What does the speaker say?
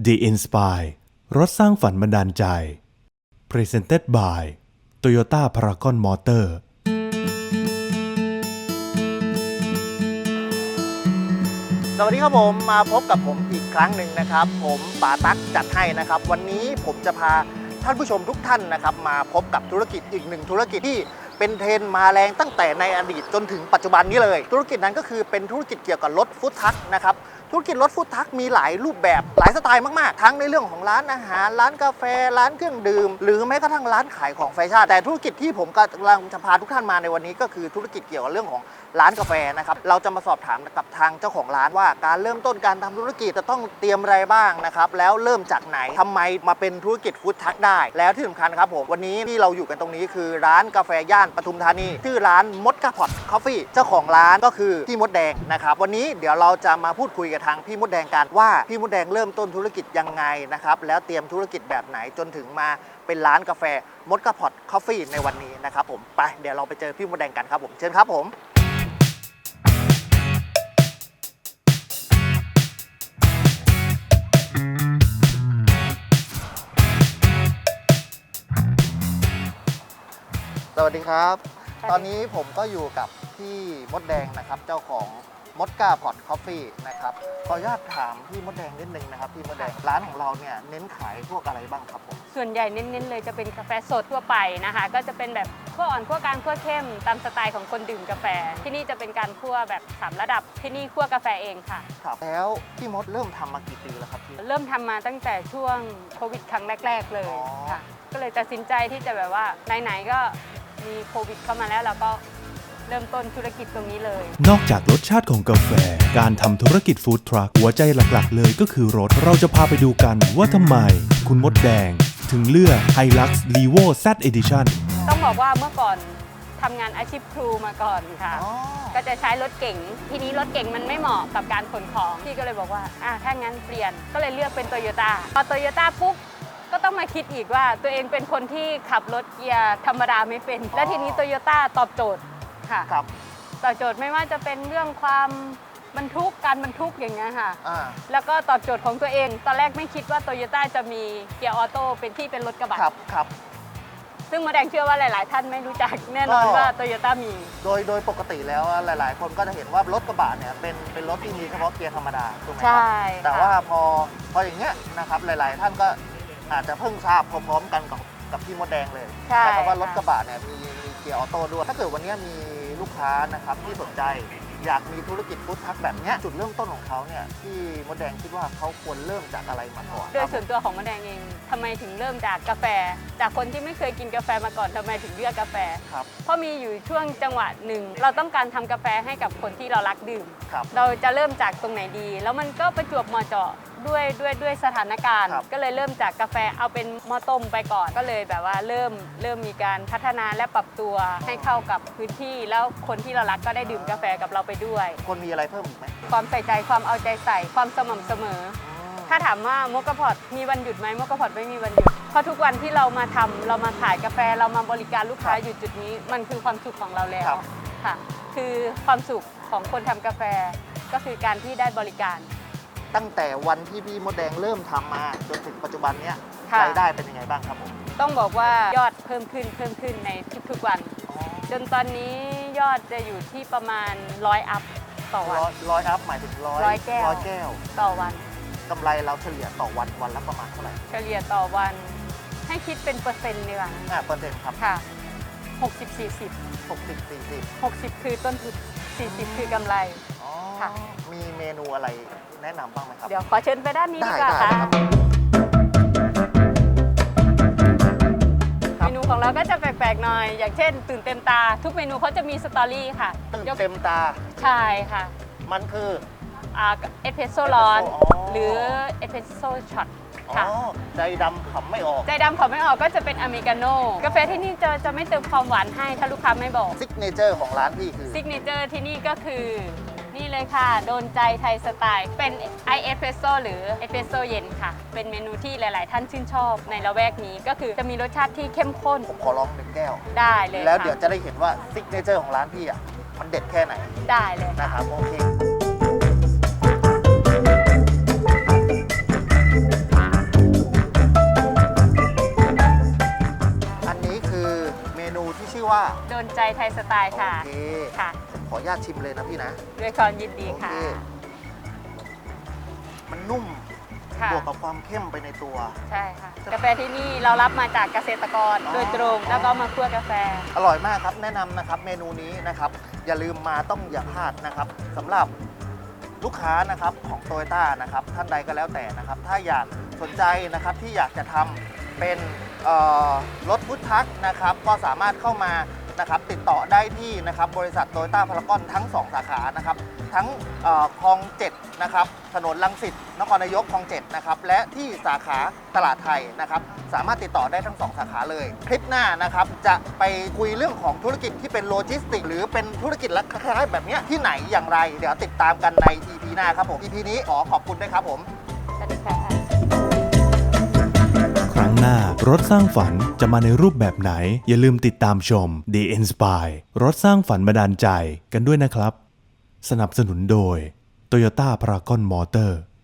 The Inspire รถสร้างฝันบันดาลใจ Presented by Toyota Paragon Motor สวัสดีครับผมมาพบกับผมอีกครั้งหนึ่งนะครับผมป๋าตั๊กจัดให้นะครับวันนี้ผมจะพาท่านผู้ชมทุกท่านนะครับมาพบกับธุรกิจอีกหนึ่งธุรกิจที่เป็นเทรนด์มาแรงตั้งแต่ในอดีตจนถึงปัจจุบันนี้เลยธุรกิจนั้นก็คือเป็นธุรกิจเกี่ยวกับรถฟู้ดทรัคนะครับธุรกิจรถฟู้ดทรัคมีหลายรูปแบบหลายสไตล์มากๆทั้งในเรื่องของร้านอาหารร้านกาแฟร้านเครื่องดื่มหรือแม้กระทั่งร้านขายของแฟชั่นแต่ธุรกิจที่ผมกำลังจะพาทุกท่านมาในวันนี้ก็คือธุรกิจเกี่ยวกับเรื่องของร้านกาแฟนะครับเราจะมาสอบถามกับทางเจ้าของร้านว่าการเริ่มต้นการทำธุรกิจจะต้องเตรียมอะไรบ้างนะครับแล้วเริ่มจากไหนทำไมมาเป็นธุรกิจฟู้ดทรัคได้แล้วที่สำคัญครับผมวันนี้ที่เราอยู่กันตรงนี้คือร้านกาแฟย่านปทุมธานีชื่อร้านมดกาพอตคอฟฟี่เจ้าของร้านก็คือพี่มดแดงนะครับวันนี้เดี๋ยวเราจะมาพูดคุยกับทางพี่มดแดงกันว่าพี่มดแดงเริ่มต้นธุรกิจยังไงนะครับแล้วเตรียมธุรกิจแบบไหนจนถึงมาเป็นร้านกาแฟมดกาพอตคอฟฟี่ในวันนี้นะครับผมไปเดี๋ยวเราไปเจอพี่มดแดงกันครับผมเชิญครับผมสวัสดีครับตอนนี้ผมก็อยู่กับพี่มดแดงนะครับเจ้าของมดกาพอตคอฟฟี่นะครับขออนุญาตถามพี่มดแดงนิดนึงนะครับพี่มดแดงร้านของเราเนี่ยเน้นขายพวกอะไรบ้างครับผมส่วนใหญ่เน้นๆเลยจะเป็นกาแฟสดทั่วไปนะคะก็จะเป็นแบบคั่วอ่อนคั่วกลางคั่วเข้มตามสไตล์ของคนดื่มกาแฟที่นี่จะเป็นการคั่วแบบ3ระดับที่นี่คั่วกาแฟเองค่ะครับแล้วพี่มดเริ่มทำมากี่ปีแล้วครับพี่เริ่มทำมาตั้งแต่ช่วงโควิดครั้งแรกๆเลยค่ะก็เลยตัดสินใจที่จะแบบว่าไหนๆก็มีโควิดเข้ามาแล้วเราก็เริ่มต้นธุรกิจตรงนี้เลยนอกจากรสชาติของกาแฟการทำธุรกิจฟู้ดทรัคหัวใจหลักๆเลยก็คือรถเราจะพาไปดูกันว่าทำไมคุณมดแดงถึงเลือก Hilux Levo Z Edition ต้องบอกว่าเมื่อก่อนทำงานอาชีพครูมาก่อนค่ะก็จะใช้รถเก๋งทีนี้รถเก๋งมันไม่เหมาะกับการขนของพี่ก็เลยบอกว่าถ้างั้นเปลี่ยนก็เลยเลือกเป็นโตโยต้าพอโตโยต้าปุ๊บก็ต้องมาคิดอีกว่าตัวเองเป็นคนที่ขับรถเกียร์ธรรมดาไม่เป็นและทีนี้โตโยต้าตอบโจทย์ค่ะตอบโจทย์ไม่ว่าจะเป็นเรื่องความบรรทุกการบรรทุกอย่างเงี้ยค่ะแล้วก็ตอบโจทย์ของตัวเองตอนแรกไม่คิดว่าโตโยต้าจะมีเกียร์ออโต้เป็นรถกระบะครับซึ่งมดแดงเชื่อว่าหลายๆท่านไม่รู้จักแน่นอนว่าโตโยต้ามีโดยปกติแล้วหลายๆคนก็จะเห็นว่ารถกระบะเนี่ยเป็นรถที่มีเฉพาะเกียร์ธรรมดาถูกไหมครับใช่แต่ว่าพออย่างเงี้ยนะครับหลายๆท่านก็อาจจะเพิ่งทราบพร้อมๆกันกับพี่มดแดงเลยแต่ว่ารถกระบะเนี่ยมีเกียร์ออโต้ด้วยถ้าเกิดวันนี้มีลูกค้านะครับที่สนใจอยากมีธุรกิจฟู้ดทรัคแบบนี้จุดเริ่มต้นของเขาเนี่ยที่มดแดงคิดว่าเขาควรเริ่มจากอะไรมาก่อนโดยส่วนตัวของมดแดงเองทำไมถึงเริ่มจากกาแฟจากคนที่ไม่เคยกินกาแฟมาก่อนทำไมถึงเลือกกาแฟเพราะมีอยู่ช่วงจังหวะหนึ่งเราต้องการทำกาแฟให้กับคนที่เรารักดื่มเราจะเริ่มจากตรงไหนดีแล้วมันก็ประจวบเหมาะเจาะด้วยสถานการณ์ก็เลยเริ่มจากกาแฟเอาเป็นหม้อต้มไปก่อนก็เลยแบบว่าเริ่มมีการพัฒนาและปรับตัวให้เข้ากับพื้นที่แล้วคนที่เรารักก็ได้ดื่มกาแฟกับเราไปด้วยคนมีอะไรเพิ่มอีกไหมความใส่ใจความเอาใจใส่ความสม่ำเสมอถ้าถามว่ามกพอตมีวันหยุดไหมมกพอตไม่มีวันหยุดเพราะทุกวันที่เรามาทำเรามาขายกาแฟเรามาบริการลูกค้าอยู่จุดนี้มันคือความสุขของเราแล้วค่ะคือความสุขของคนทำกาแฟก็คือการที่ได้บริการตั้งแต่วันที่พี่มดแดงเริ่มทำมาจนถึงปัจจุบันเนี้ยรายได้เป็นยังไงบ้างครับผมต้องบอกว่ายอดเพิ่มขึ้นในทุกๆวันจนตอนนี้ยอดจะอยู่ที่ประมาณ100 อัพต่อวัน 100 อัพหมายถึง100 แก้วต่อวันกำไรเราเฉลี่ยต่อวันละประมาณเท่าไหร่เฉลี่ยต่อวันให้คิดเป็นเปอร์เซ็นต์ดีกว่าเปอร์เซ็นต์ครับค่ะ60 คือต้นทุน40 คือกำไรค่ะมีเมนูอะไรแนะนำบ้างไหมครับเดี๋ยวขอเชิญไปด้านนี้ดีกว่าค่ะเมนูของเราก็จะแปลกๆหน่อยอย่างเช่นตื่นเต็มตาทุกเมนูเขาจะมีสตอรี่ค่ะตื่นเต็มตาใช่ค่ะมันคือเอสเพรสโซ่ร้อนหรือเอสเพรสโซ่ช็อตค่ะใจดำขำไม่ออกก็จะเป็นอเมริกาโน่กาแฟที่นี่จะไม่เติมความหวานให้ถ้าลูกค้าไม่บอกซิกเนเจอร์ของร้านพี่คือซิกเนเจอร์ที่นี่ก็คือนี่เลยค่ะโดนใจไทยสไตล์เป็นไอเอสเพรสโซ่หรือเอสเพรสโซ่เย็นค่ะเป็นเมนูที่หลายๆท่านชื่นชอบในละแวกนี้ก็คือจะมีรสชาติที่เข้มข้นผมขอลอง1 แก้วได้เลยแล้วเดี๋ยวจะได้เห็นว่าซิกเนเจอร์ของร้านพี่มันเด็ดแค่ไหนได้เลยนะครับโอเคใจไทยสไตล์ค่ะโอเคค่ะขออนุญาตชิมเลยนะพี่นะด้วยความยินดีค่ะโอเค มันนุ่มค่ะบวกกับความเข้มไปในตัวใช่ค่ะ กาแฟที่นี่เรารับมาจากเกษตรกรโดยตรง แล้วก็มาคั่วกาแฟอร่อยมากครับ แนะนำนะครับเมนูนี้นะครับ อย่าลืมมาต้องอย่าพลาดนะครับสำหรับลูกค้านะครับของโตโยต้านะครับท่านใดก็แล้วแต่นะครับ ถ้าอยากสนใจนะครับที่อยากจะทำเป็นรถฟู้ดทรัคนะครับก็สามารถเข้ามานะครับติดต่อได้ที่นะครับบริษัทโตโยต้าพารากอนทั้ง 2 สาขานะครับทั้งคลอง 7 นะครับถนนรังสิตนครนายกคลอง 7 นะครับและที่สาขาตลาดไทยนะครับสามารถติดต่อได้ทั้ง 2 สาขาเลย คลิปหน้านะครับจะไปคุยเรื่องของธุรกิจที่เป็นโลจิสติกหรือเป็นธุรกิจลักษณะแบบเนี้ยที่ไหนอย่างไร เดี๋ยวติดตามกันใน EP หน้าครับผม EP นี้ขอบคุณด้วยครับผมสวัสดีค่ะครั้งหน้ารถสร้างฝันจะมาในรูปแบบไหน อย่าลืมติดตามชม The Inspire รถสร้างฝันบันดาลใจกันด้วยนะครับ สนับสนุนโดย Toyota Paragon Motor